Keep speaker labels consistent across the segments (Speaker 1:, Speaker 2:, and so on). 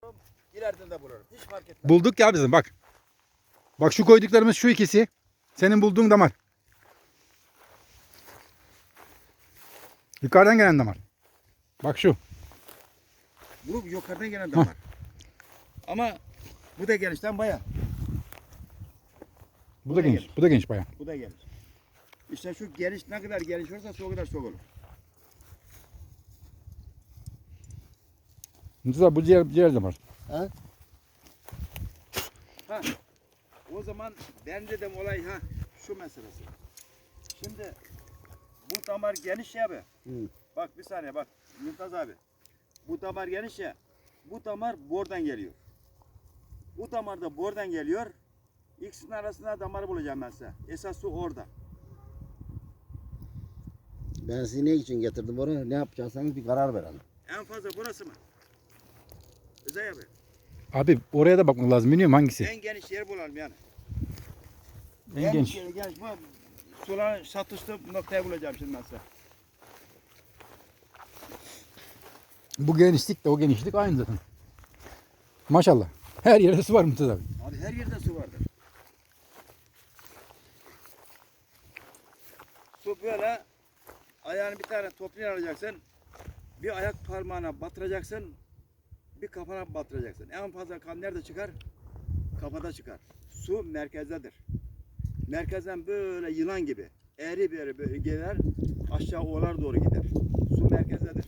Speaker 1: İleriden de bulurum. Hiç fark etmez.
Speaker 2: Bulduk ya bizim bak. Bak şu koyduklarımız şu ikisi. Senin bulduğun damar. Yukarıdan gelen damar. Bak şu.
Speaker 1: Bu yukarıdan gelen damar. Ama bu da genişten baya.
Speaker 2: Bu da geniş. Bu da geniş bayağı.
Speaker 1: Bu da geniş. İşte şu geniş ne kadar geniş olursa o kadar çok olur.
Speaker 2: Mesela bu ciğer damar.
Speaker 1: Ha. O zaman ben dedim olay şu meselesi. Şimdi bu damar geniş ya abi. Bak bir saniye bak Mümtaz abi. Bu damar geniş ya. Bu damar bordan geliyor. Bu damar da bordan geliyor. İkisinin arasında damarı bulacağım ben size. Esas su orada.
Speaker 3: Ben sizi ne için getirdim oraya? Ne yapacaksanız bir karar verelim.
Speaker 1: En fazla burası mı? Özay abi.
Speaker 2: Abi oraya da bakmak lazım. Bilmiyorum hangisi.
Speaker 1: En geniş yer bulalım yani.
Speaker 2: En geniş.
Speaker 1: Geniş bu. Suların satışlı noktayı bulacağım şimdi ben size.
Speaker 2: Bu genişlik de o genişlik aynı zaten. Maşallah. Her yerde su var Mümtaz abi.
Speaker 1: Abi her yerde su vardır. Su böyle ayağını bir tane toprağa alacaksın. Bir ayak parmağına batıracaksın. Bir kafana batıracaksın. En fazla kan nerede çıkar? Kafada çıkar. Su merkezdedir. Merkezden böyle yılan gibi eğri bir yere böyle gelir aşağı ovalar doğru gider. Su merkezdedir.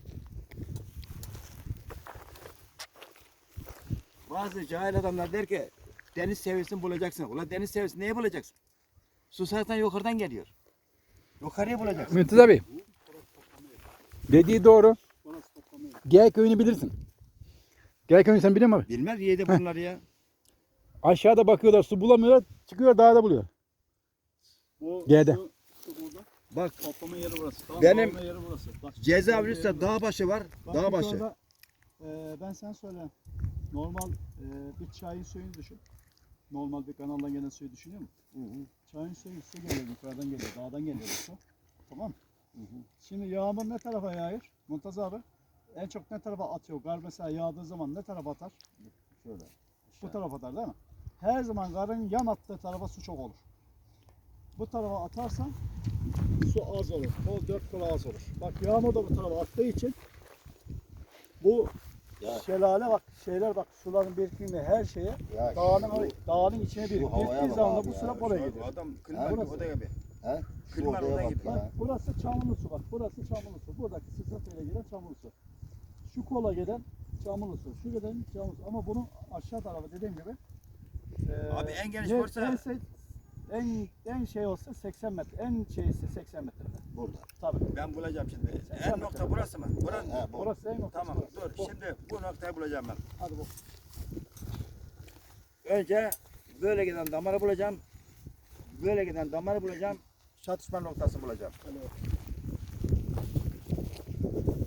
Speaker 1: Bazı cahil adamlar der ki deniz seviyesini bulacaksın. Ulan deniz seviyesini neye bulacaksın? Su zaten yukarıdan geliyor. Yukarıya bulacaksın.
Speaker 2: Mümtaz abi. Dediği doğru. Gel köyünü bilirsin. Gel köyünü sen biliyor musun abi?
Speaker 1: Bilmez yedi bunları ya.
Speaker 2: Aşağıda bakıyorlar su bulamıyorlar. Çıkıyor dağda buluyor.
Speaker 4: Bu
Speaker 2: G'de.
Speaker 4: şu burada.
Speaker 1: Bak
Speaker 4: Toplama yeri burası. Tam
Speaker 1: Benim
Speaker 4: toplama yeri burası. Bak,
Speaker 1: cezaevinin üstte dağ başı var.
Speaker 4: bak
Speaker 1: Dağ başı.
Speaker 4: yukarıda, ben sen söyle. Normal bir çayın suyunu düşün. Normal bir kanaldan gelen suyu düşünüyor musun? Çayın suyu su geliyor, yukarıdan geliyor, dağdan geliyor bu su. Tamam mı? Şimdi yağmur ne tarafa yağıyor? Muntaz abi. En çok ne tarafa atıyor? Kar mesela yağdığı zaman ne tarafa atar?
Speaker 3: Şöyle.
Speaker 4: Bu tarafa atar değil mi? Her zaman karın yan attığı tarafa su çok olur. Bu tarafa atarsan su az olur. Kol 4 kol az olur. Bak yağmur da bu tarafa attığı için bu
Speaker 3: Ya.
Speaker 4: şelale bak şeyler bak suların birikimi her şeye
Speaker 3: Ya
Speaker 4: dağın içine birikir.
Speaker 3: havaya
Speaker 4: Biriktiği
Speaker 3: bak
Speaker 4: zaman da
Speaker 3: abi
Speaker 4: bu
Speaker 3: ya.
Speaker 4: sular oraya gidiyor.
Speaker 1: Adam
Speaker 3: Ha,
Speaker 1: klima
Speaker 4: burası.
Speaker 1: oda gibi.
Speaker 3: He?
Speaker 1: Klima
Speaker 3: Ortaya
Speaker 1: orada
Speaker 3: bak
Speaker 1: gibi.
Speaker 3: ya.
Speaker 4: Bak burası çamurlu su bak. Burası çamurlu su. Buradaki sızıntıyla gelen çamurlu su. Şu kola gelen çamurlu su. Şu gelen çamurlu su. Ama bunun aşağı tarafı dediğim gibi
Speaker 1: Abi en geniş
Speaker 4: ne-
Speaker 1: varsa
Speaker 4: en şey olsa 80 metre. En şeysi 80 metre.
Speaker 3: Burada.
Speaker 4: Tabii.
Speaker 1: ben bulacağım şimdi.
Speaker 4: Sen
Speaker 1: En nokta burası mı? Buranın.
Speaker 3: He, bu.
Speaker 4: Orası en noktası.
Speaker 1: Tamam
Speaker 4: burası.
Speaker 1: dur. Şimdi bu noktayı bulacağım ben.
Speaker 4: Hadi bu.
Speaker 1: Önce böyle giden damarı bulacağım. Böyle giden damarı bulacağım. Çatışma noktasını bulacağım.
Speaker 4: Hadi bak.